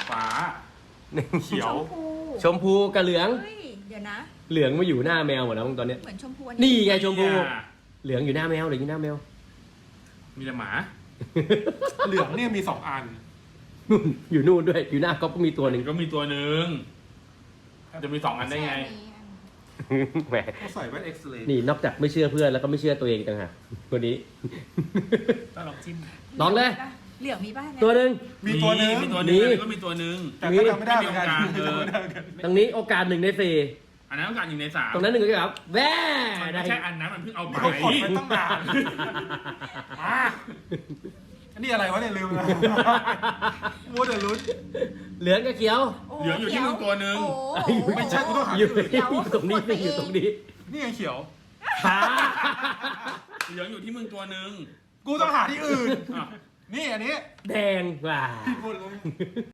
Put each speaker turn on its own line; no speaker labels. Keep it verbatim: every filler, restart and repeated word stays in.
ฟ้าเขียว
ชมพู
ชมพูกับเหลือง
เฮ้ยเดี๋ยวนะ
เหลืองมาอยู่หน้าแมวหมดแล้วตอนเนี้ย
เหมือนชมพูอั
นี่ไงชมพูเหลืองอยู่หน้าแมวเหลืองอยู่หน้าแมว
มีแต่หมา
เหลืองเนี่ยมีสองอัน
นู่นอยู่นู่นด้วยอยู่หน้าก๊อฟก็มีตัวหนึ่ง
ก็มีตัวหนึ่งจะมีสองอันได้ไง
แหม
เขาใส่แว่นเอ็กซ์เรย์
นี่นอกจากไม่เชื่อเพื่อนแล้วก็ไม่เชื่อตัวเองต่างหากคนนี้
ต้องลองจิ้ม
ลองเลย
เหลืองมีบ้าง
ตัวหนึ่ง
มีตัวหนึง
มีตัวหนึง
มี
อันนี้ก็มีตัวหนึง
แต่ก็จำไม่ได้เหมือนกัน
ไม่มีโอกาส
จำไม่ได้เหมือนกัน
ตรงนี้โอกาสหนึ่งในสี่
อันนั้นต้องการอยู่ในสาม
ตรงนั้นหนึ่งก็ครับแว่
มัน
ได้
ไม่ใช่อันนั้นมันเพิ่งเอาไป
เขากดไปตั้งนานมาอันนี้อะไรวะเนี่ยลืมแล้วมัวแต่ลุ้น
เหลืองกับเขียว
เหลืองอยู่ที่มึงตัวหนึ่ง
โอ้โห
ไม่ใช่กูต้องหา
อยู่
ที่อื่น
อยู่ตรงนี้อยู่ตรงนี้
นี่ไงเขียว
ฟ้า
เหลืองอยู่ที่มึงตัวหนึ่ง
กูต้องหาที่อื่น
อ่ะ
นี่อันนี้
แดงว่ะ
ผิดหมดเลย